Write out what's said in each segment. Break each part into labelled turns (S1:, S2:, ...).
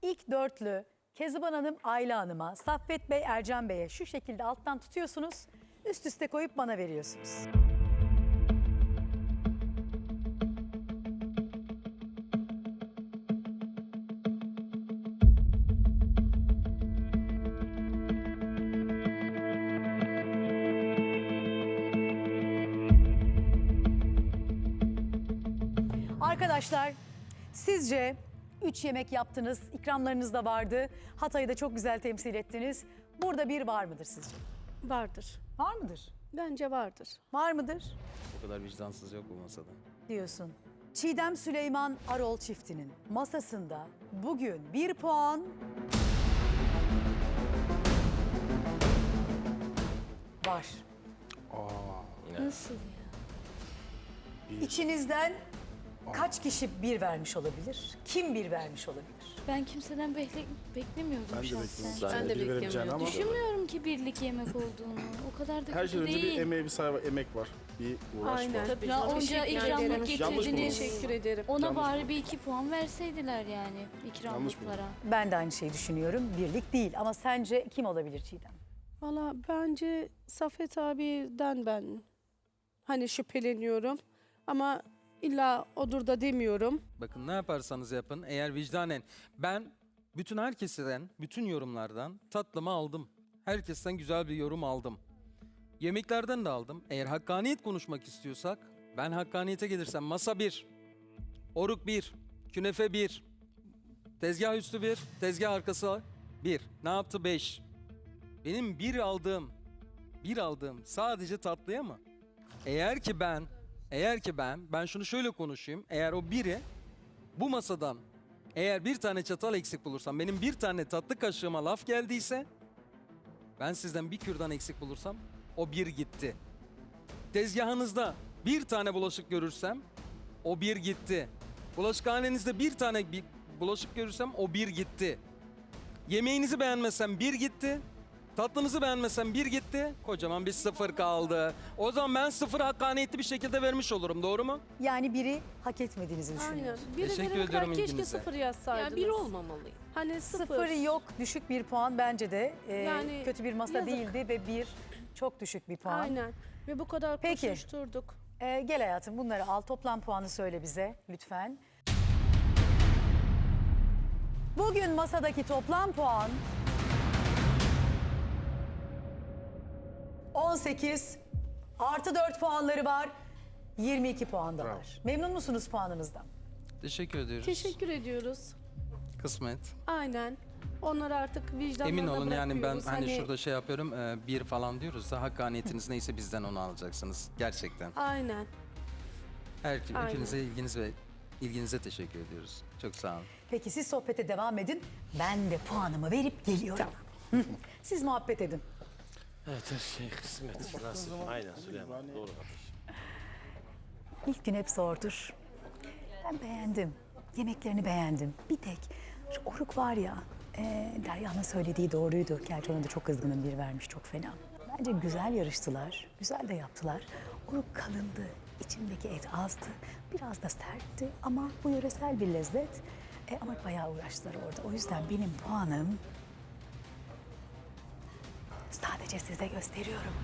S1: İlk dörtlü Kezban Hanım, Ayla Hanım'a, Saffet Bey, Ercan Bey'e şu şekilde alttan tutuyorsunuz. Üst üste koyup bana veriyorsunuz. Arkadaşlar, sizce 3 yemek yaptınız, ikramlarınız da vardı. Hatay'ı da çok güzel temsil ettiniz. Burada bir var mıdır sizce?
S2: Vardır.
S1: Var mıdır?
S2: Bence vardır.
S1: Var mıdır
S3: O kadar vicdansız yok bu masada.
S1: diyorsun. Çiğdem Süleyman Arol çiftinin masasında bugün 1 puan var.
S2: Nasıl ya?
S1: İçinizden kaç kişi bir vermiş olabilir? Kim bir vermiş olabilir?
S4: Ben kimseden beklemiyordum
S5: Ben de
S4: şahsen.
S5: bekliyorum.
S2: Ben de
S5: Bir veremeyeceğini ama
S4: Düşünmüyorum ki birlik yemek olduğunu. O kadar da
S5: her
S4: kötü
S5: şeyden önce
S4: değil.
S5: bir emeğe bir sahibi emek var. Bir uğraş
S2: Aynen.
S5: var.
S4: Ya onca ikramlık
S5: Yanlış
S4: getirdiniz.
S2: Teşekkür ederim.
S4: Ona
S5: Yanlış
S4: bari
S5: buldum.
S4: bir 2 puan verseydiler yani ikramlıklara.
S1: Ben de aynı şeyi düşünüyorum. Birlik değil ama sence kim olabilir Çiğdem?
S2: Valla bence Saffet abiden ben hani şüpheleniyorum. Ama illa odur da demiyorum.
S3: Bakın ne yaparsanız yapın eğer vicdanen ben bütün herkesten, bütün yorumlardan tatlımı aldım. Herkesten güzel bir yorum aldım. Yemeklerden de aldım. Eğer hakkaniyet konuşmak istiyorsak ben hakkaniyete gelirsem masa 1, oruk 1, künefe 1, tezgah üstü 1, tezgah arkası 1. Ne yaptı 5? Benim bir aldığım sadece tatlıya mı? Eğer ki ben şunu şöyle konuşayım. Eğer o biri bu masadan eğer bir tane çatal eksik bulursam, benim bir tane tatlı kaşığıma laf geldiyse, ben sizden bir kürdan eksik bulursam o bir gitti. Tezgahınızda bir tane bulaşık görürsem o bir gitti. Bulaşıkhanenizde bir tane bulaşık görürsem o bir gitti. Yemeğinizi beğenmezsem bir gitti. Tatlınızı beğenmesem bir gitti, kocaman bir 0 kaldı. O zaman ben 0 hakkaniyetli bir şekilde vermiş olurum, doğru mu?
S1: Yani biri hak etmediğinizi
S2: Aynen.
S1: düşünüyorsun.
S2: Biri
S3: Teşekkür
S2: verene kadar
S3: ediyorum
S2: keşke
S3: ilginize.
S2: 0 yazsaydınız.
S6: Yani bir olmamalı.
S2: Hani 0.
S1: Sıfırı yok, düşük bir puan bence de.
S2: Yani
S1: Kötü bir masa
S2: yazık.
S1: değildi ve bir çok düşük bir puan.
S2: Aynen. Ve bu kadar
S1: Peki.
S2: koşuşturduk.
S1: Gel hayatım bunları al, toplam puanı söyle bize lütfen. Bugün masadaki toplam puan 18 artı 4 puanları var. 22 puan da
S5: Bravo.
S1: var. Memnun musunuz puanınızdan?
S3: Teşekkür ediyoruz.
S2: Teşekkür ediyoruz.
S3: Kısmet.
S2: Aynen. Onları artık vicdanlarına
S3: Emin olun yani ben
S2: bırakıyoruz.
S3: hani şurada şey yapıyorum, bir falan diyoruz da hakkaniyetiniz neyse bizden onu alacaksınız. Gerçekten.
S2: Aynen. Aynen.
S3: Hepinize ilginize teşekkür ediyoruz. Çok sağ olun.
S1: Peki siz sohbete devam edin. Ben de puanımı verip geliyorum. Hı. Siz muhabbet edin.
S7: Evet her şey kısmet, nasip. Aynen Süleyman, doğru kardeşim.
S1: İlk gün hep zordur. Ben beğendim. Yemeklerini beğendim. Bir tek şu oruk var ya, Derya'nın söylediği doğruydu. Gerçi ona da çok kızgınım, bir vermiş, çok fena. Bence güzel yarıştılar, güzel de yaptılar. Oruk kalındı, içindeki et azdı, biraz da sertti ama bu yöresel bir lezzet. Ama bayağı uğraştılar orada. O yüzden benim puanım sadece size gösteriyorum.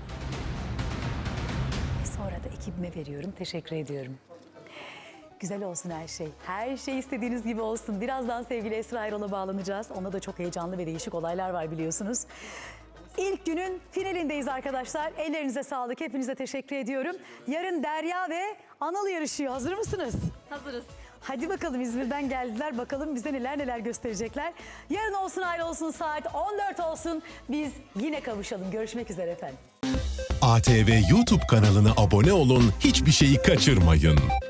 S1: Ve sonra da ekibime veriyorum, teşekkür ediyorum. Güzel olsun her şey. Her şey istediğiniz gibi olsun. Birazdan sevgili Esra Erol'a bağlanacağız. Onda da çok heyecanlı ve değişik olaylar var biliyorsunuz. İlk günün finalindeyiz arkadaşlar. Ellerinize sağlık. Hepinize teşekkür ediyorum. Yarın Derya ve Anıl yarışıyor. Hazır mısınız?
S4: Hazırız.
S1: Hadi bakalım, İzmir'den geldiler. Bakalım bize neler gösterecekler. Yarın olsun, ayrı olsun, saat 14 olsun. Biz yine kavuşalım. Görüşmek üzere efendim.
S8: ATV YouTube kanalına abone olun, hiçbir şeyi kaçırmayın.